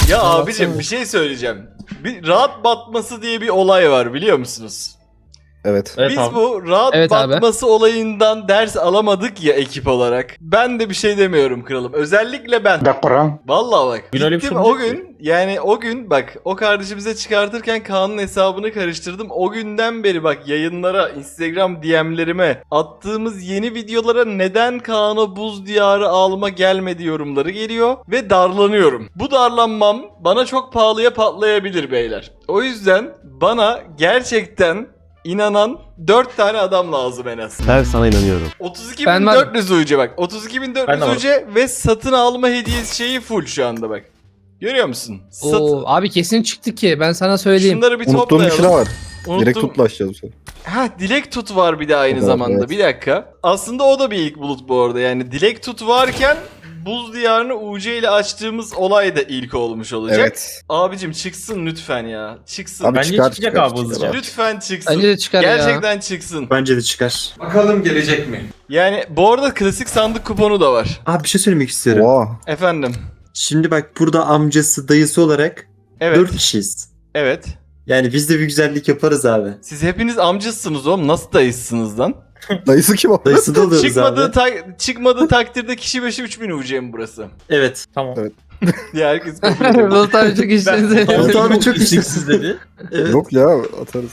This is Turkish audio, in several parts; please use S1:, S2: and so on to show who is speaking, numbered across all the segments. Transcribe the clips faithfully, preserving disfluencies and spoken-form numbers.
S1: Ya abicim bir şey söyleyeceğim. Bir rahat batması diye bir olay var biliyor musunuz?
S2: Evet.
S3: Evet
S1: Biz
S3: abi.
S1: bu rahat
S4: Evet abi.
S1: batması olayından ders alamadık ya ekip olarak. Ben de bir şey demiyorum kralım. Özellikle ben. Vallahi bak.
S3: Gün öyle bir
S1: Gittim
S3: şey
S1: o
S3: olmayacak
S1: gün yani o gün bak o kardeşimize çıkartırken Kaan'ın hesabını karıştırdım. O günden beri bak yayınlara, Instagram D M'lerime attığımız yeni videolara neden Kaan'a buz diyarı alma gelmedi yorumları geliyor ve darlanıyorum. Bu darlanmam bana çok pahalıya patlayabilir beyler. O yüzden bana gerçekten İnanan dört tane adam lazım en az.
S5: Ben sana inanıyorum.
S1: otuz iki
S4: Ben
S1: bin
S4: var-
S1: dört yüz U C bak. otuz iki bin dört yüz
S3: Ben de
S1: U C ve satın alma hediyesi şeyi full şu anda bak. Görüyor musun? Satın...
S4: Oo, abi kesin çıktı ki ben sana söyleyeyim.
S1: Şunları bir
S2: Unuttuğum bir
S1: toplayalım.
S2: şey daha var.
S1: Unuttum.
S2: Direkt tutla açacağız bu sefer.
S1: Ha dilek tut var bir de aynı
S2: O da,
S1: zamanda.
S2: evet.
S1: Bir dakika. Aslında o da bir ilk bulut bu arada. Yani dilek tut varken buz diyarını U C ile açtığımız olay da ilk olmuş olacak.
S2: Evet.
S1: Abicim çıksın lütfen ya. Çıksın.
S2: Abi
S3: Bence
S2: çıkar,
S3: çıkacak
S2: çıkar,
S3: abi
S2: çıkar
S3: hızlıca.
S2: abi.
S1: Lütfen çıksın.
S4: Bence de çıkar ya.
S1: Gerçekten çıksın.
S6: Bence de çıkar.
S7: Bakalım gelecek mi?
S1: Yani bu arada klasik sandık kuponu da var.
S6: Abi bir şey söylemek istiyorum.
S2: Oha.
S1: Efendim.
S6: Şimdi bak burada amcası, dayısı olarak
S1: Evet.
S6: dört kişiyiz.
S1: Evet.
S6: Yani biz de bir güzellik yaparız abi.
S1: Siz hepiniz amcasınız oğlum. Nasıl dayısınız lan?
S2: Dayısı kim o?
S6: Dayısı da oluyoruz
S1: çıkmadığı,
S6: abi.
S1: ta- çıkmadığı takdirde kişi başı üç bin U C mi burası?
S6: Evet.
S3: Tamam.
S2: Evet.
S1: Diye herkes kabul ediyor.
S4: Bulut abi çok işinize.
S1: Ben-
S6: Bulut abi çok
S3: isteksiz dedi.
S6: Evet.
S2: Yok ya atarız.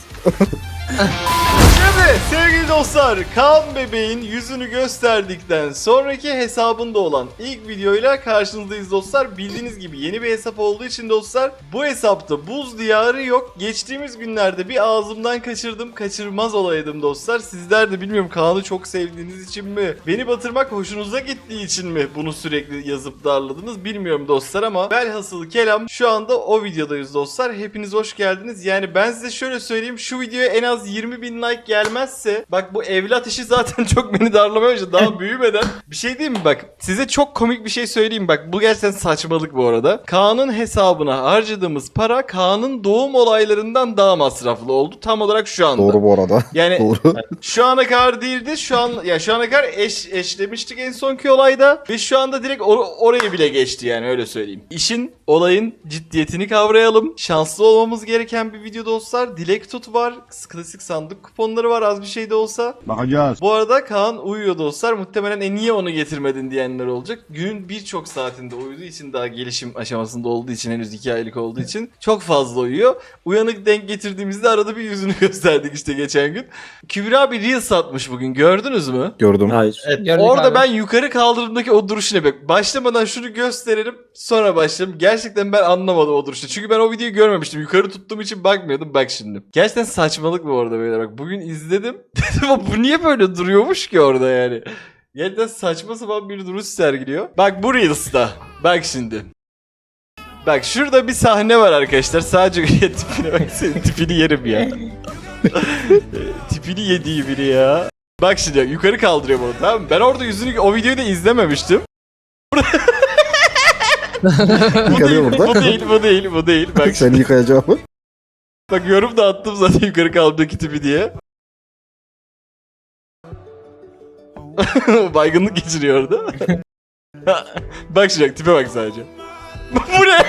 S1: Şimdi sevgili dostlar Kaan bebeğin yüzünü gösterdikten sonraki hesabında olan ilk videoyla karşınızdayız dostlar. Bildiğiniz gibi yeni bir hesap olduğu için dostlar bu hesapta buz diyarı yok. Geçtiğimiz günlerde bir ağzımdan kaçırdım, kaçırmaz olaydım dostlar. Sizler de bilmiyorum Kaan'ı çok sevdiğiniz için mi, beni batırmak hoşunuza gittiği için mi bunu sürekli yazıp darladınız bilmiyorum dostlar ama velhasıl kelam şu anda o videodayız dostlar. Hepiniz hoş geldiniz. Yani ben size şöyle söyleyeyim, şu videoya en az yirmi bin like gelmezse bak bu evlat işi zaten çok beni darlamaya başladı daha büyümeden. Bir şey diyeyim mi bak, size çok komik bir şey söyleyeyim bak, bu gerçekten saçmalık bu arada. Kaan'ın hesabına harcadığımız para Kaan'ın doğum olaylarından daha masraflı oldu tam olarak şu anda.
S2: Doğru bu arada.
S1: Yani
S2: Doğru.
S1: şu ana kadar değildi. Şu an ya şu ana kadar eş eşlemiştik en sonki olayda ve şu anda direkt or- orayı bile geçti yani öyle söyleyeyim. İşin olayın ciddiyetini kavrayalım. Şanslı olmamız gereken bir video dostlar. Dilek tut var. Klasik sandık kuponları var az bir şey de olsa.
S5: Bakacağız.
S1: Bu arada Kaan uyuyor dostlar. Muhtemelen e niye onu getirmedin diyenler olacak. Günün birçok saatinde uyuduğu için, daha gelişim aşamasında olduğu için, henüz iki aylık olduğu için çok fazla uyuyor. Uyanık denk getirdiğimizde arada bir yüzünü gösterdik işte geçen gün. Kübra bir reel satmış bugün, gördünüz mü?
S2: Gördüm.
S6: Hayır.
S4: Gördük
S1: Orada
S4: abi.
S1: ben yukarı kaldırdığımdaki o duruşuna bak. Başlamadan şunu gösterelim, sonra başlayalım. Gerçekten ben anlamadım o duruşu. Çünkü ben o videoyu görmemiştim. Yukarı tuttuğum için bakmıyordum. Bak şimdi. Gerçekten saçmalık bu arada beyler. Bak bugün izledim. Dedim ama bu niye böyle duruyormuş ki orada yani. Gerçekten saçma sapan bir duruş sergiliyor. Bak bu Reels'ta. Bak şimdi. Bak şurada bir sahne var arkadaşlar. Sadece tipine bak, senin tipini yerim ya. Tipini yediği biri ya. Bak şimdi yukarı kaldırıyor bunu, tamam mı? Ben orada yüzünü, o videoyu da izlememiştim. bu değil,
S2: Yıkanıyor burada.
S1: bu değil, bu değil, bu değil. Bak
S2: Seni
S1: şimdi,
S2: yıkayacağım.
S1: bak yorum da attım zaten yukarı kaldırdaki tipi diye. Baygınlık geçiriyor orada. Bak şimdi tipe bak sadece. Bu ne?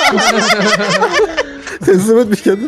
S2: Teslim etmiş kendini.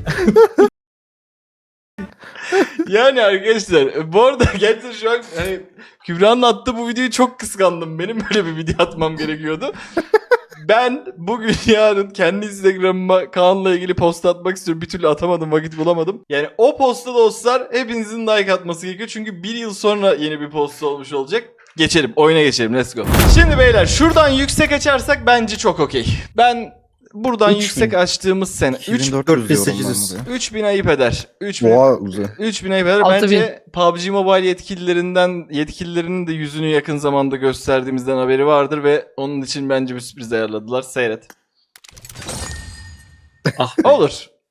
S1: Yani arkadaşlar bu arada gerçekten şu an hani Kübra'nın attığı bu videoyu çok kıskandım. Benim böyle bir video atmam gerekiyordu. Ben bugün yarın kendi Instagram'ıma Kaan'la ilgili post atmak istiyorum. Bir türlü atamadım, vakit bulamadım. Yani o posta dostlar hepinizin like atması gerekiyor. Çünkü bir yıl sonra yeni bir post olmuş olacak. Geçelim, oyuna geçelim, let's go. Şimdi beyler şuradan yüksek açarsak bence çok okey. Ben buradan
S2: üç bin.
S1: yüksek açtığımız sene üç
S6: dört bin sekiz yüz.
S1: üç bin ayıp eder. üç bin
S2: Boğa uzay.
S1: üç bin ayıp eder.
S4: altı
S1: Bence P U B G Mobile yetkililerinden yetkililerinin de yüzünü yakın zamanda gösterdiğimizden haberi vardır ve onun için bence bir sürpriz ayarladılar. Seyret.
S6: Ah.
S1: Olur.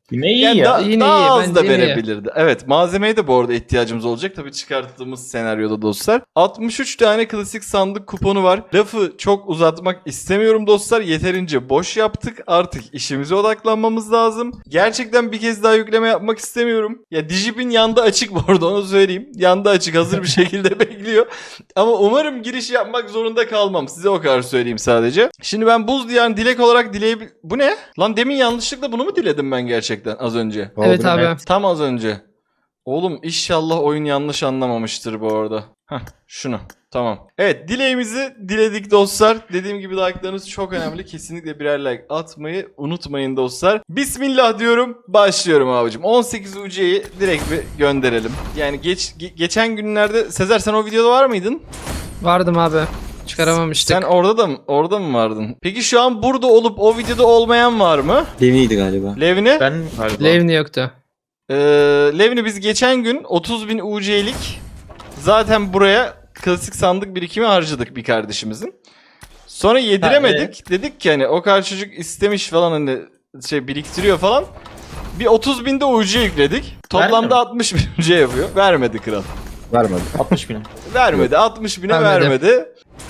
S3: Yine iyi
S1: Yani
S3: ya.
S1: da-
S4: Yine
S1: daha
S4: iyi,
S1: az da
S4: bence iyi.
S1: verebilirdi. Evet, malzemeye de bu arada ihtiyacımız olacak. Tabii çıkarttığımız senaryoda dostlar. altmış üç tane klasik sandık kuponu var. Lafı çok uzatmak istemiyorum dostlar. Yeterince boş yaptık. Artık işimize odaklanmamız lazım. Gerçekten bir kez daha yükleme yapmak istemiyorum. Ya Digipin yanında açık bu arada, onu söyleyeyim. Yanında açık, hazır bir şekilde bekliyor. Ama umarım giriş yapmak zorunda kalmam. Size o kadar söyleyeyim sadece. Şimdi ben buz diyarını dilek olarak dileyebil... Bu ne? Lan demin yanlışlıkla bunu mu diledim ben gerçekten az önce?
S4: Evet
S2: Abi,
S4: abi.
S1: Tam az önce. Oğlum inşallah oyun yanlış anlamamıştır bu arada. Heh, şunu. Tamam. Evet, dileğimizi diledik dostlar. Dediğim gibi like'larınız çok önemli. Kesinlikle birer like atmayı unutmayın dostlar. Bismillah diyorum. Başlıyorum abicim. on sekiz U C'yi direkt bir gönderelim. Yani geç ge- geçen günlerde Sezer sen o videoda var mıydın?
S4: Vardım abi. Çıkaramamıştık.
S1: Sen orada da mı orada mı vardın? Peki şu an burada olup o videoda olmayan var mı?
S6: Levni'ydi galiba.
S1: Levni?
S3: Ben galiba.
S4: Levni yoktu.
S1: Ee, Levni biz geçen gün otuz bin U C'lik zaten buraya klasik sandık birikimi harcadık bir kardeşimizin. Sonra yediremedik. Dedik ki hani o kadar çocuk istemiş falan, hani şey biriktiriyor falan. Bir otuz binde U C yükledik. Toplamda
S3: Verdi mi?
S1: altmış bin U C yapıyor. Vermedi kral.
S2: Vermedi.
S3: altmış bin.
S1: Vermedi. altmış bine
S4: Vermedi.
S1: vermedi.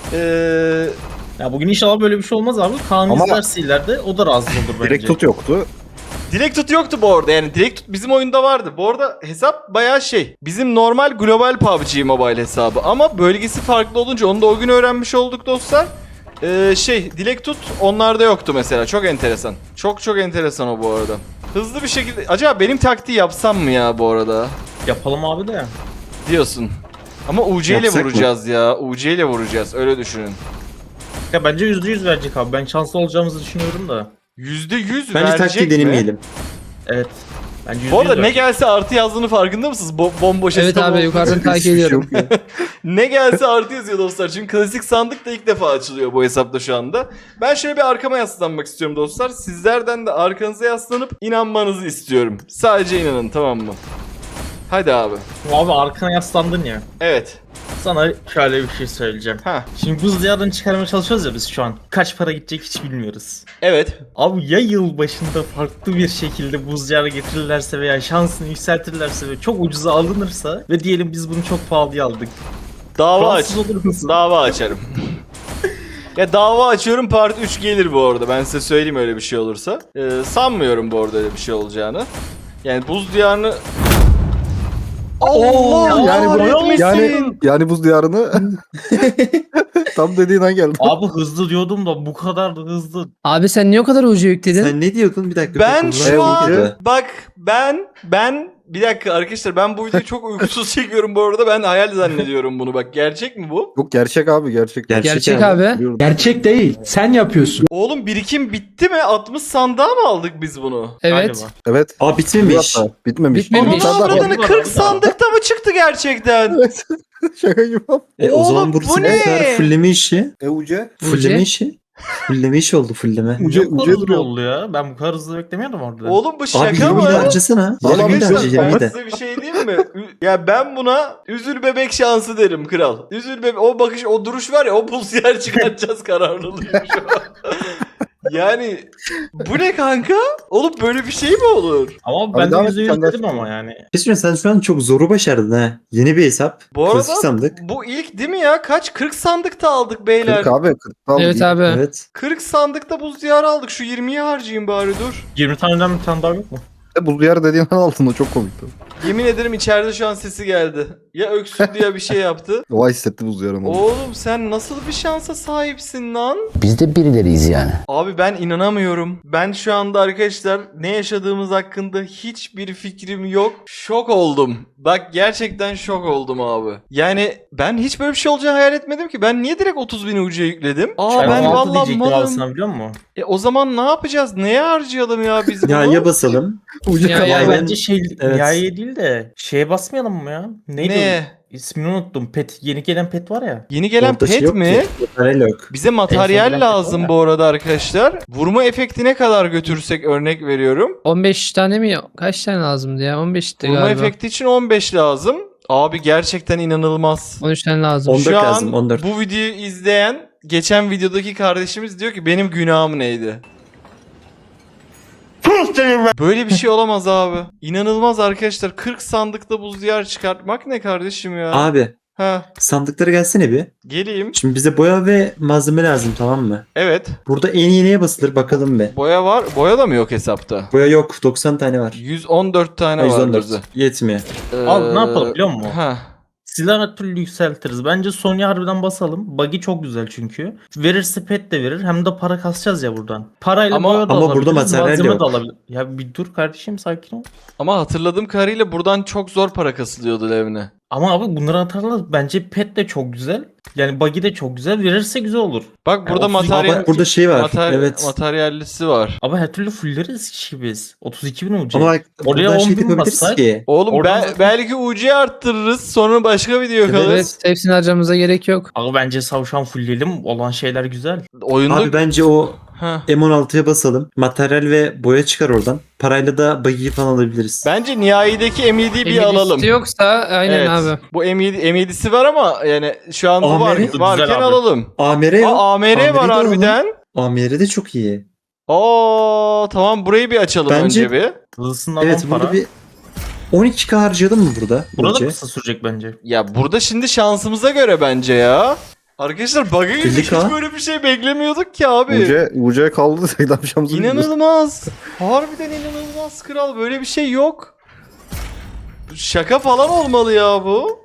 S1: Ee,
S3: Ya bugün inşallah böyle bir şey olmaz abi. Kaan
S2: Ama-
S3: izlerse ileride o da razı olur bence.
S2: Direkt tut yoktu.
S1: Direkt tut yoktu bu arada, yani direkt tut bizim oyunda vardı. Bu arada hesap bayağı şey. Bizim normal global P U B G Mobile hesabı ama bölgesi farklı olunca onu da o gün öğrenmiş olduk dostlar. Ee, şey dilek tut onlarda yoktu mesela, çok enteresan. Çok çok enteresan o bu arada. Hızlı bir şekilde acaba benim taktiği yapsam mı ya bu arada
S3: Yapalım abi de.
S1: diyorsun. Ama U C ile
S6: Yapsak mı?
S1: vuracağız ya. U C ile vuracağız, öyle düşünün.
S3: Ya bence yüzde yüz verecek abi. Ben şanslı olacağımızı düşünüyorum da.
S1: yüzde yüz
S6: Bence
S1: verecek
S6: taktiği
S1: mi?
S6: denemeyelim.
S3: Evet. Bence yüzde
S1: Bu arada
S3: yüz
S1: ne
S3: verecek.
S1: gelse artı yazdığını farkında mısınız? Bo bomboş
S4: Evet
S1: hesap
S4: abi
S1: olduğu
S4: yukarıdan
S1: için.
S4: takip
S2: Hiçbir şey
S4: ediyorum.
S2: yok ya.
S1: Ne gelse artı yazıyor dostlar. Çünkü klasik sandık da ilk defa açılıyor bu hesapta şu anda. Ben şöyle bir arkama yaslanmak istiyorum dostlar. Sizlerden de arkanıza yaslanıp inanmanızı istiyorum. Sadece inanın, tamam mı? Hadi abi.
S3: Abi arkana yaslandın ya.
S1: Evet.
S3: Sana şöyle bir şey söyleyeceğim.
S1: Ha.
S3: Şimdi buz diyarını çıkarmaya çalışıyoruz ya biz şu an. Kaç para gidecek hiç bilmiyoruz.
S1: Evet.
S3: Abi ya yıl başında farklı bir şekilde buz diyarı getirirlerse veya şansını yükseltirlerse ve çok ucuza alınırsa ve diyelim biz bunu çok pahalıya aldık.
S1: Dava aç.
S3: Rahatsız olur musun?
S1: Dava açarım. Ya dava açıyorum, part üç gelir bu arada. Ben size söyleyeyim öyle bir şey olursa. Ee, sanmıyorum bu arada öyle bir şey olacağını. Yani buz diyarını... Allah
S2: yani bu-
S1: kahretmesin.
S2: Yani yani buz diyarını tam dediğin an geldi.
S3: Abi hızlı diyordum da bu kadar da hızlı.
S4: Abi sen niye o kadar ucu yükledin?
S6: Sen ne diyordun bir dakika?
S1: Ben
S6: Bunlar
S1: şu an
S6: oldu.
S1: bak ben ben bir dakika arkadaşlar, ben bu videoyu çok uykusuz çekiyorum bu arada, ben hayal zannediyorum bunu, bak gerçek mi bu?
S2: Yok, gerçek abi, gerçek.
S6: Gerçek,
S4: Gerçek abi.
S2: Biliyorum.
S5: Gerçek değil. Sen yapıyorsun.
S1: Oğlum birikim bitti mi? altmış sandığa mı aldık biz bunu?
S4: Evet.
S3: Galiba.
S2: Evet.
S6: Aa bitmemiş.
S2: Hatta bitmemiş.
S4: Bitmemiş.
S2: Bir tane
S1: Onun
S2: daha var.
S1: avradını
S3: var,
S1: kırk
S3: var.
S1: sandıkta mı çıktı gerçekten?
S2: Evet. Şaka gibi abi.
S6: E, o
S1: Oğlum,
S6: zaman
S1: bu
S6: burası
S1: ne?
S6: bu sefer fulleme işi.
S2: E uca.
S6: Fulleme işi. Fulleme işi oldu fulleme.
S2: Uca,
S3: Bu kadar
S2: uca
S3: hızlı
S2: duruyor.
S3: oldu ya. Ben bu kadar hızlı beklemiyordum orada.
S1: Oğlum bu
S6: Abi
S1: şaka
S6: yirmi
S1: mı?
S6: de harcasana.
S2: Vallahi
S6: yirmi de
S2: arkadaşlar,
S6: harca
S1: Ben
S6: yirmi de.
S1: size bir şey diyeyim mi? Ü- Ya ben buna üzül bebek şansı derim kral. Üzül bebek, o bakış, o duruş var ya, o pulsiyer çıkartacağız kararlılıyım şu an. Yani bu ne kanka? Oğlum böyle bir şey mi olur?
S3: Ama
S2: Abi
S3: ben de
S2: devam et,
S3: yüzde yüz
S2: sen de
S3: dedim
S2: açıkla.
S3: ama yani.
S6: Kesin sen şu an çok zoru başardın ha. Yeni bir hesap.
S1: Bu arada
S6: Klasik sandık.
S1: bu ilk değil mi ya? Kaç? kırk sandıkta aldık beyler.
S2: kırk abi. kırk aldı.
S4: Evet abi.
S6: Evet.
S1: kırk sandıkta buz diyarı aldık. Şu yirmiyi harcayayım bari, dur.
S3: yirmi taneden bir tane daha yok mu?
S2: E, buz diyarı dediğin an altında çok komikti.
S1: Yemin ederim içeride şu an sesi geldi. Ya öksürdü ya bir şey yaptı.
S2: O hissetti buz diyarını.
S1: Oğlum sen nasıl bir şansa sahipsin lan?
S5: Biz de birileriyiz yani.
S1: Abi ben inanamıyorum. Ben şu anda arkadaşlar ne yaşadığımız hakkında hiçbir fikrim yok. Şok oldum. Bak gerçekten şok oldum abi. Yani ben hiç böyle bir şey olacağını hayal etmedim ki. Ben niye direkt otuz bin ucuya yükledim? Aa ben
S3: altı
S1: vallahi
S3: diyecektim abi
S1: malım.
S3: sana, biliyor musun?
S1: E o zaman ne yapacağız? Neye harcayalım ya biz bunu?
S6: Ya ya basalım.
S2: Uca
S4: Ya,
S2: kaldı.
S4: ya,
S3: Ya
S6: ben-
S3: bence şey
S6: Evet.
S3: nihaiye değil de şeye basmayalım mı ya? Neydi?
S1: Ne?
S3: İsmini unuttum. Pet, yeni gelen pet var ya.
S1: Yeni gelen
S6: Orada şey
S1: pet
S6: yok
S1: mi?
S6: ki. Materyal yok.
S1: Bize
S3: En
S1: materyal
S3: son gelen
S1: lazım
S3: pet
S1: bu arada arkadaşlar. Vurma efekti ne kadar götürürsek örnek veriyorum.
S4: on beş tane mi? Kaç tane lazımdı ya? on beşti
S1: Vurma
S4: galiba.
S1: efekti için on beş lazım. Abi gerçekten inanılmaz.
S4: on üç tane lazım.
S6: on dört
S1: Şu an
S6: lazım, on dört.
S1: bu videoyu izleyen geçen videodaki kardeşimiz diyor ki benim günahım neydi? Böyle bir şey olamaz abi. İnanılmaz arkadaşlar. kırk sandıkta buz diyar çıkartmak ne kardeşim ya?
S6: Abi
S1: Ha,
S6: sandıklara gelsene bir.
S1: geleyim.
S6: Şimdi bize boya ve malzeme lazım, tamam mı?
S1: Evet.
S6: Burada en iyi neye basılır bakalım be.
S1: Boya var. Boya da mı yok hesapta?
S6: Boya yok, doksan tane var.
S1: yüz on dört tane
S6: yüz
S1: var
S6: on dört.
S1: bizde.
S6: Yetmiyor.
S3: Abi ne yapalım
S1: Ee,
S3: biliyor musun?
S1: Ha.
S3: Silahı her türlü yükseltiriz. Bence Sony'e harbiden basalım. Buggy çok güzel çünkü. Verirse pet de verir. Hem de para kasacağız ya buradan. Parayla
S1: Ama-
S3: boya da
S6: ama
S3: alabiliriz.
S6: burada materyal
S3: malzeme
S6: yok.
S3: de alabiliriz. Ya bir dur kardeşim, sakin ol.
S1: Ama hatırladığım kadarıyla buradan çok zor para kasılıyordu Levne.
S3: Ama abi bunları atarlar. Bence pet de çok güzel. Yani buggy de çok güzel. Verirse güzel olur.
S1: Bak burada
S3: otuz iki
S6: Aa,
S1: materyal
S6: bak burada şey var.
S1: mater-
S6: evet.
S1: materyallisi var.
S3: Ama her türlü fulleriz ki biz. otuz iki bin olacak.
S6: Ama bak
S3: Oraya
S6: buradan
S3: on
S6: şey
S3: bin
S6: yapabiliriz
S3: bassak-
S6: ki.
S1: Oğlum
S3: Oradan
S1: be-
S3: zaten-
S1: belki U C'yi arttırırız, sonra başka video
S6: Evet.
S1: kalırız.
S4: Evet, hepsini harcamamıza gerek yok.
S3: Abi bence savşan fullleyelim. Olan şeyler güzel.
S1: Oyunda
S6: Abi bence o
S1: Heh.
S6: M on altıya basalım. Materyal ve boya çıkar oradan. Parayla da buggy'yi falan alabiliriz.
S1: Bence nihayedeki M yediyi bir
S4: Emir
S1: alalım.
S4: listi yoksa aynen
S1: Evet.
S4: abi.
S1: Bu M yedi, M yedisi var ama yani şu an bu
S6: A M
S1: var,
S6: R
S3: güzel
S1: varken
S3: abi.
S1: alalım.
S6: A M R yok.
S1: Aa, A M R
S6: A M R'yi
S1: var
S6: de alalım.
S1: harbiden.
S6: A M R de çok iyi.
S1: Oo tamam, burayı bir açalım
S6: Bence-
S1: önce bir.
S3: Hızlısından
S6: Evet
S3: on
S6: burada
S3: para.
S6: bir on iki K harcayalım mı burada?
S3: Burada
S6: Bence.
S3: kısa sürecek bence.
S1: Ya burada şimdi şansımıza göre bence ya. Arkadaşlar bug'a girdik,
S6: elli K.
S1: hiç böyle bir şey beklemiyorduk ki abi.
S2: U C, U C kaldı desek ne yapacağımızı bilmiyoruz.
S1: İnanılmaz. Harbiden inanılmaz kral. Böyle bir şey yok. Şaka falan olmalı ya bu.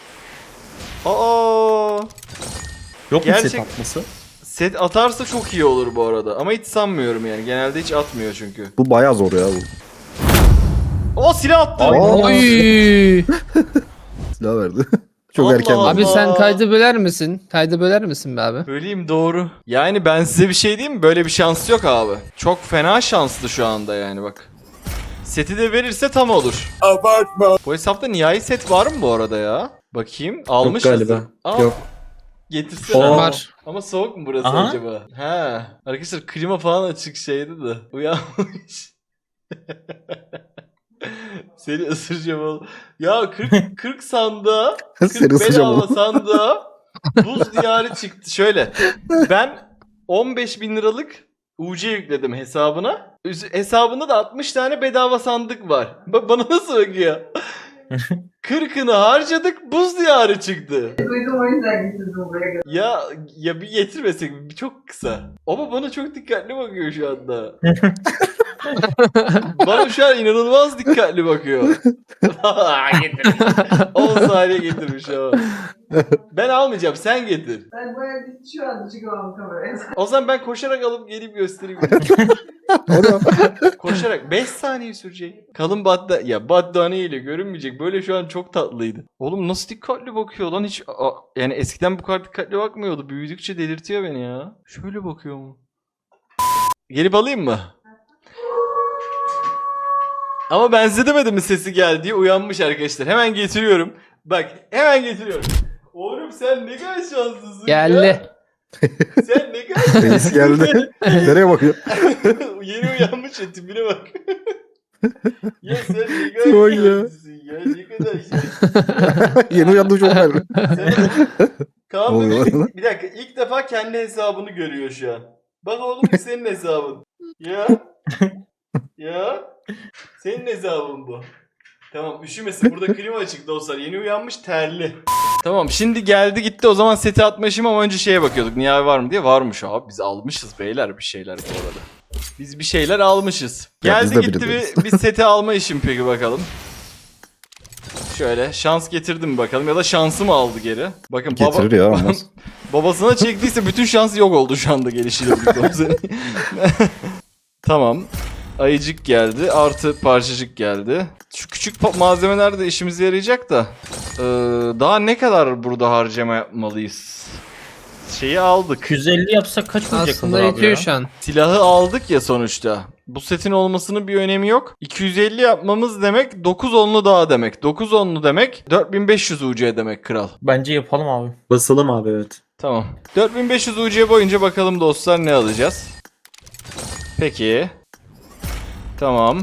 S1: Aa.
S3: Yok mu
S1: Gerçek-
S3: set atması?
S1: Set atarsa çok iyi olur bu arada. Ama hiç sanmıyorum yani. Genelde hiç atmıyor çünkü.
S2: Bu bayağı zor ya bu.
S1: O silah attı.
S2: Aa.
S4: Oy.
S2: Silah verdi. Çok
S1: Allah
S2: erken.
S1: Allah.
S4: Abi sen kaydı böler misin? Kaydı böler misin be abi?
S1: Söyleyeyim doğru. Yani ben size bir şey diyeyim mi? Böyle bir şans yok abi. Çok fena şanslı şu anda yani bak. Seti de verirse tam olur. Abartma. Bu hesapta nihai set var mı bu arada ya? Bakayım. Almış
S6: galiba.
S1: Yok. Getirsene.
S6: Oo.
S4: Var.
S1: Ama soğuk mu burası
S3: Aha.
S1: acaba? He. Arkadaşlar klima falan açık şeydi de. Uyanmış. Seni ısıracağım oğlum. Ya kırk, kırk sandığa,
S2: Seni
S1: kırk
S2: ısıracağım
S1: bedava
S2: oğlum.
S1: sandığa buz diyarı çıktı. Şöyle. Ben on beş bin liralık U C yükledim hesabına. Üz- Hesabında da altmış tane bedava sandık var. Bak bana nasıl bakıyor? kırkını harcadık, buz diyarı çıktı.
S7: Duydum, o yüzden getirdim buraya.
S1: Ya ya bir getirmesek mi? Bir çok kısa. Ama bana çok dikkatli bakıyor şu anda. Bana şu an inanılmaz dikkatli bakıyor. Getir. on saniye getirmiş ama. Ben almayacağım, sen getir.
S7: Ben bayağı bir şu anda çıkamam kameraya.
S1: O zaman ben koşarak alıp gelip göstereyim.
S2: Orada.
S1: Koşarak beş saniye sürecek. Kalın batta ya battaniye ile görünmeyecek. Böyle şu an çok tatlıydı. Oğlum nasıl dikkatli bakıyor lan, hiç a- yani eskiden bu kadar dikkatli bakmıyordu. Büyüdükçe delirtiyor beni ya. Şöyle bakıyor mu? Gelip alayım mı? Ama ben size demedim mi sesi geldi diye, uyanmış arkadaşlar. Hemen getiriyorum. Bak hemen getiriyorum. Oğlum sen ne kadar şanslısın ya.
S4: Geldi.
S1: Sen ne kadar
S2: Reis geldi. Nereye bakıyor?
S1: Yeni uyanmış ya, tipine bak. Ya sen ne kadar
S2: Çok ya.
S1: şanslısın ya. Ne kadar şanslısın.
S2: Yeni uyandı çok verdi.
S1: Sen- Kaan
S2: Oluyor
S1: Bey,
S2: lan.
S1: bir dakika, ilk defa kendi hesabını görüyor şu an. Bak oğlum bu senin hesabın. Ya. Ya. Senin hesabın bu. Tamam üşümesin, burada klima açık dostlar. Yeni uyanmış, terli. Tamam şimdi geldi gitti, o zaman seti atmışım ama önce şeye bakıyorduk. Nihai var mı diye. Varmış abi, biz almışız beyler bir şeyler bu arada. Biz bir şeyler almışız.
S2: Ya biz
S1: Geldi
S2: de
S1: gitti
S2: biliriz.
S1: bir, bir seti alma işim peki bakalım. Şöyle şans getirdi mi bakalım, ya da şansı mı aldı geri? Bakın baba,
S2: Getirir ya olmaz.
S1: babasına çektiyse bütün şansı yok oldu şu anda gelişiyle birlikte o senin. Tamam. Ayıcık geldi. Artı parçacık geldi. Şu küçük pa- malzemeler de işimize yarayacak da. Ee, daha ne kadar burada harcama yapmalıyız? Şeyi aldık.
S3: iki yüz elli yapsak kaç olacak
S4: Aslında
S3: Onur abi
S4: yetiyor
S3: ya?
S4: şu an.
S1: Silahı aldık ya sonuçta. Bu setin olmasının bir önemi yok. iki yüz elli yapmamız demek dokuz onlu daha demek. dokuz onlu demek dört bin beş yüz U C demek kral.
S3: Bence yapalım abi.
S6: Basalım abi, evet.
S1: Tamam. dört bin beş yüz U C boyunca bakalım dostlar ne alacağız. Peki. Tamam.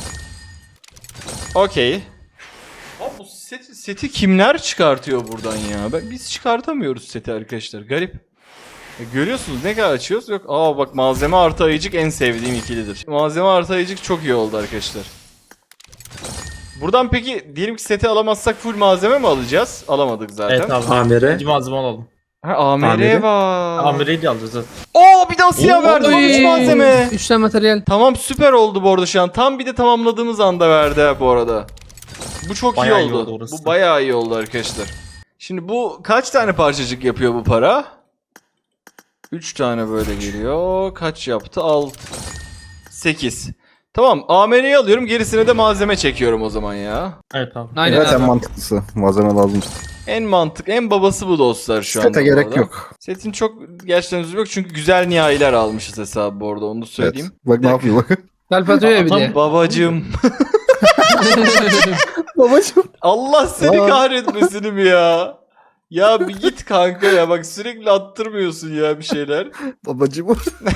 S1: Okey. Abi bu seti, seti kimler çıkartıyor buradan ya? Ben, biz çıkartamıyoruz seti arkadaşlar. Garip. E, görüyorsunuz ne kadar açıyoruz? Yok. Aa bak, malzeme artı ayıcık en sevdiğim ikilidir. Malzeme artı ayıcık çok iyi oldu arkadaşlar. Buradan peki diyelim ki seti alamazsak full malzeme mi alacağız? Alamadık zaten.
S3: Evet abi.
S6: Amire.
S3: İkinci malzeme alalım.
S1: Ha, A M R'ye
S6: Amiri.
S1: var.
S3: Amire'yi de alacağız zaten.
S1: Oo bir daha siyah verdi.
S4: Oy.
S1: üç malzeme.
S4: Üç tane materyal.
S1: Tamam, süper oldu bu arada şu an. Tam bir de tamamladığımız anda verdi ha bu arada. Bu çok
S3: Bayağı
S1: iyi
S3: iyi
S1: oldu.
S3: oldu orası.
S1: Bu bayağı iyi oldu arkadaşlar. Şimdi bu kaç tane parçacık yapıyor bu para? üç tane böyle geliyor. Kaç yaptı? altı. sekiz. Tamam, A M R'yi alıyorum. Gerisine de malzeme çekiyorum o zaman ya.
S3: Evet abi.
S4: Aynen
S2: Evet en
S4: abi.
S2: mantıklısı. Malzeme lazım.
S1: En mantık, en babası bu dostlar şu anda.
S2: Sete
S1: bu
S2: gerek
S1: arada.
S2: yok.
S1: Setin çok gerçekten üzülü yok çünkü güzel nihayiler almışız hesabı bu arada, onu da söyleyeyim.
S2: Evet. Bak ne yapıyor bak.
S4: Kalp atıyor ya bir
S3: Adam-
S4: de.
S1: Babacım.
S2: Babacım.
S1: Allah seni
S2: Aa.
S1: kahretmesin mi ya? Ya bir git kanka ya, bak sürekli attırmıyorsun ya bir şeyler.
S2: Babacım.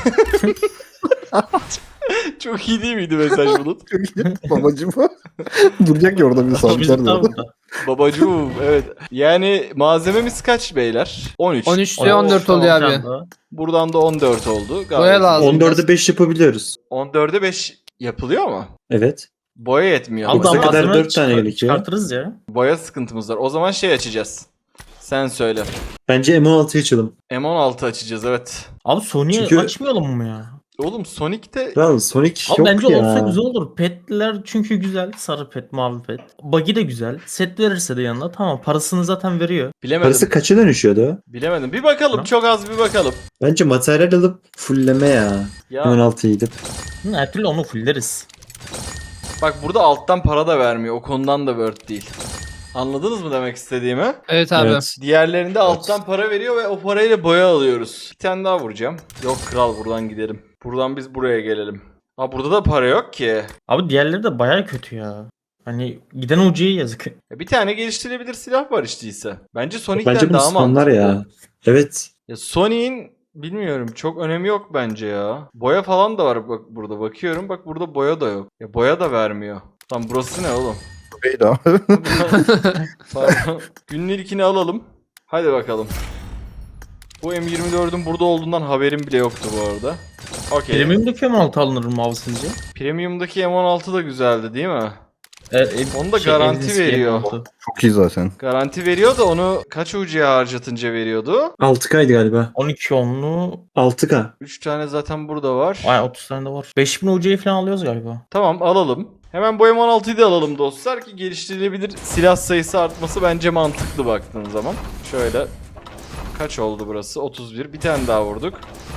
S1: Çok iyi değil miydi mesaj Bulut?
S2: Babacım. Duracak ya orada bir
S3: Biz
S2: sabitler de
S3: tam
S2: orada.
S3: burada.
S1: Babacığım, evet. Yani malzememiz kaç beyler? on üç.
S4: on üç ile on dört oluyor abi.
S1: Buradan da on dört oldu. Gayet
S4: Boya lazım.
S1: iyi.
S6: on dörde beş yapabiliyoruz.
S1: on dörde beş yapılıyor mu?
S6: Evet.
S1: Boya yetmiyor.
S6: Aldı.
S1: ama.
S6: Bize kadar
S3: malzeme
S6: dört tane
S3: çıkar-
S6: gerekiyor.
S3: Çıkartırız ya.
S1: Boya sıkıntımız var. O zaman şey açacağız. Sen söyle.
S6: Bence M on altıyı açalım.
S1: M on altı açacağız, evet.
S3: Abi Sony'yi
S6: Çünkü-
S3: açmayalım mı ya?
S1: Oğlum Sonic'te
S6: Kral Sonic
S3: Abi
S6: yok
S3: bence
S6: ya.
S3: olsa güzel olur. Petler çünkü güzel. Sarı pet, mavi pet. Buggy de güzel. Set verirse de yanına tamam. Parasını zaten veriyor.
S1: bilemedim.
S6: Parası kaça dönüşüyordu?
S1: Bilemedim. Bir bakalım.
S3: Ha?
S1: Çok az bir bakalım.
S6: Bence materyal alıp fullleme ya.
S1: Ya
S6: M on altıyı gidip.
S3: Hı, her türlü onu fulleriz.
S1: bak, burada alttan para da vermiyor. O konudan da worth değil. Anladınız mı demek istediğimi?
S4: Evet abi.
S6: Evet.
S1: Diğerlerinde alttan para veriyor ve o parayla boya alıyoruz. Bir tane daha vuracağım. Yok kral, buradan gidelim. Buradan biz buraya gelelim. Ha, burada da para yok ki.
S3: Abi diğerleri de baya kötü ya. Hani giden ucuya yazık.
S1: Ya bir tane geliştirilebilir silah var işte ise. Bence Sonic'ten
S6: Bence bu
S1: daha
S6: sonlar
S1: mantıklı.
S6: ya. Evet.
S1: Ya Sony'in bilmiyorum, çok önemi yok bence ya. Boya falan da var bak burada, bakıyorum. Bak burada boya da yok. Ya boya da vermiyor. Tam burası ne oğlum?
S2: Beydi abi.
S1: Pardon. Günlükini alalım. Hadi bakalım. Bu M yirmi dördün burada olduğundan haberim bile yoktu bu arada. Okey.
S3: Premium'daki M on altı alınır mı abi sizce?
S1: Premium'daki M on altı da güzeldi değil mi?
S3: E, e,
S1: Onu da garanti
S3: Elinizki
S1: veriyor.
S3: M on altı.
S2: Çok iyi zaten.
S1: Garanti veriyor da onu kaç ucuya harcatınca veriyordu?
S6: altı K'ydı galiba.
S3: on iki onlu.
S6: altı K.
S1: üç tane zaten burada var.
S3: Ay otuz tane de var. beş bin ucuya falan alıyoruz galiba.
S1: Tamam, alalım. Hemen bu M on altıyı da alalım dostlar ki geliştirilebilir silah sayısı artması bence mantıklı baktığın zaman. Şöyle. Kaç oldu burası? otuz bir. Bir tane daha vurduk.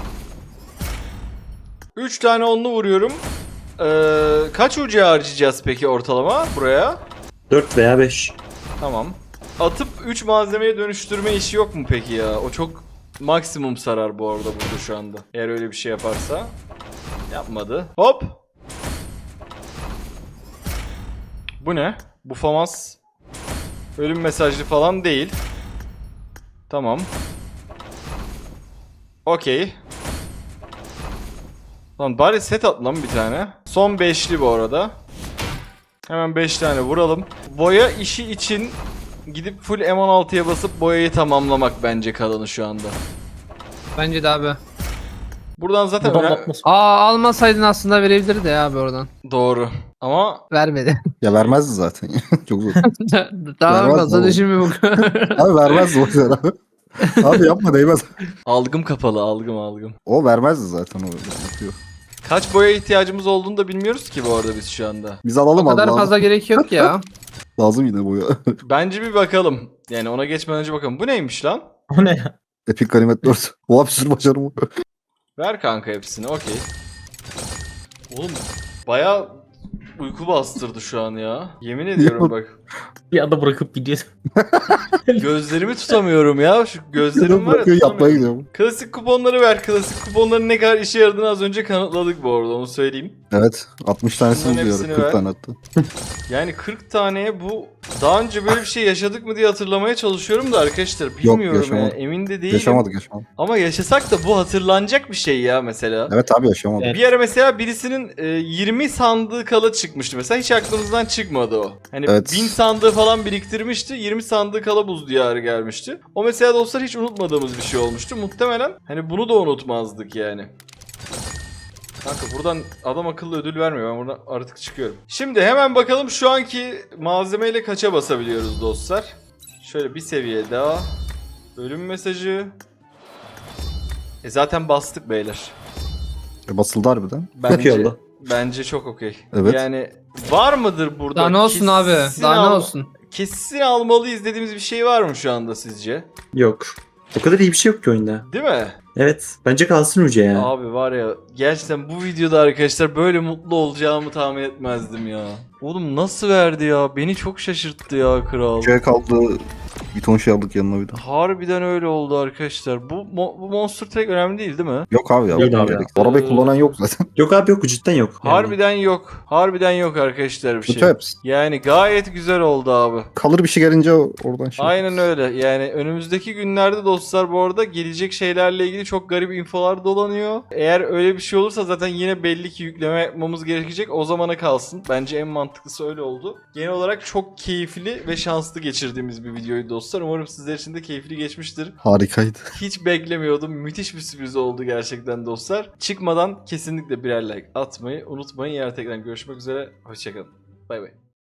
S1: üç tane onlu vuruyorum. Ee, kaç ucuya harcayacağız peki ortalama buraya?
S6: dört veya beş.
S1: Tamam. Atıp üç malzemeye dönüştürme işi yok mu peki ya? O çok maksimum sarar bu arada burada şu anda. Eğer öyle bir şey yaparsa. Yapmadı. Hop. Bu ne? Bu famas. Ölüm mesajlı falan değil. Tamam. Okey. Lan bari set at lan bir tane. Son beşli bu arada. Hemen beş tane vuralım. Boya işi için gidip full M on altıya basıp boyayı tamamlamak bence kalanı şu anda.
S4: Bence de abi.
S1: Buradan zaten
S3: Buradan
S1: öne-
S3: bakmasın.
S4: Aa almasaydın aslında verebilirdi ya abi oradan.
S1: doğru. Ama
S4: Vermedi.
S2: Ya vermezdi zaten. Çok zor.
S4: Daha
S2: Vermez
S4: fazla
S2: oğlum.
S4: düşünme bu.
S2: Abi vermezdi o yüzden abi. Abi yapma değmez.
S1: algım kapalı, algım algım.
S2: O vermezdi zaten o. Yapıyor.
S1: Kaç boya ihtiyacımız olduğunu da bilmiyoruz ki bu arada biz şu anda.
S2: Biz alalım
S4: O
S2: abi.
S4: kadar
S2: lazım.
S4: fazla gerek yok ya.
S2: Lazım yine bu ya.
S1: Bence bir bakalım. Yani ona geçmeden önce bakalım. Bu neymiş lan?
S3: O ne ya?
S2: Epic Ganimet dört. Oha bir sürü başarı bu.
S1: Ver kanka hepsini, okey. Oğlum bayağı uyku bastırdı şu an ya. Yemin ediyorum bak.
S3: Bir anda bırakıp gidiyor.
S1: Gözlerimi tutamıyorum ya. Şu gözlerim var ya,
S2: Bırakıyor yapmaya
S1: tutamıyorum.
S2: gidiyorum.
S1: Klasik kuponları ver. Klasik kuponların ne kadar işe yaradığını az önce kanıtladık bu arada, onu söyleyeyim.
S2: Evet. altmış tanesi
S1: Bunların
S2: buluyor.
S1: hepsini
S2: kırk
S1: ver.
S2: tane hatta.
S1: Yani kırk taneye bu Daha önce böyle bir şey yaşadık mı diye hatırlamaya çalışıyorum da arkadaşlar bilmiyorum ya.
S2: yaşamadık.
S1: Emin de değilim.
S2: Yaşamadık yaşamadık.
S1: Ama yaşasak da bu hatırlanacak bir şey ya mesela.
S2: Evet abi yaşamadık.
S3: Evet.
S1: Bir ara mesela birisinin e, yirmi sandığı kala çıkmıştı mesela, hiç aklımızdan çıkmadı o. Hani
S2: Evet.
S1: bin sandığı falan biriktirmişti, yirmi sandığı kala buz diyarı gelmişti. O mesela dostlar hiç unutmadığımız bir şey olmuştu. Muhtemelen hani bunu da unutmazdık yani. Kanka buradan adam akıllı ödül vermiyor, ben buradan artık çıkıyorum. Şimdi hemen bakalım şu anki malzemeyle kaça basabiliyoruz dostlar. Şöyle bir seviye daha. Ölüm mesajı. E zaten bastık beyler.
S2: E, basıldı harbiden.
S1: Bence,
S6: iyi oldu.
S1: bence çok okey.
S2: Evet.
S1: Yani var mıdır burada?
S4: Daha ne olsun abi?
S1: kesin
S4: Daha ne
S1: al-
S4: olsun?
S1: Kesin almalıyız dediğimiz bir şey var mı şu anda sizce?
S6: Yok. O kadar iyi bir şey yok ki oyunda.
S1: Değil mi?
S6: Evet. Bence kalsın Uca ya.
S1: Abi var ya, gerçekten bu videoda arkadaşlar böyle mutlu olacağımı tahmin etmezdim ya. Oğlum nasıl verdi ya? Beni çok şaşırttı ya kral.
S2: Şey kaldı. Bir ton şey aldık yanına bir de.
S1: Harbiden öyle oldu arkadaşlar. Bu, mo- bu monster track önemli değil değil mi?
S2: Yok abi ya.
S6: Değil
S2: bu
S6: abi
S2: gerek. Arabayı
S1: Ee,
S2: kullanan yok zaten.
S6: Yok abi yok. Cidden yok. Yani.
S1: Harbiden yok. Harbiden yok arkadaşlar bir
S2: Kötü
S1: şey.
S2: hepsi.
S1: Yani gayet güzel oldu abi.
S2: Kalır bir şey gelince oradan şey.
S1: Aynen öyle. Yani önümüzdeki günlerde dostlar bu arada gelecek şeylerle ilgili çok garip infolar dolanıyor. Eğer öyle bir şey olursa zaten yine belli ki yükleme yapmamız gerekecek. O zamana kalsın. Bence en mantıklısı öyle oldu. Genel olarak çok keyifli ve şanslı geçirdiğimiz bir videoydu dostlar. Umarım sizler için de keyifli geçmiştir.
S2: Harikaydı.
S1: Hiç beklemiyordum. Müthiş bir sürpriz oldu gerçekten dostlar. Çıkmadan kesinlikle birer like atmayı unutmayın. Yarın tekrar görüşmek üzere. Hoşçakalın. Bay bay.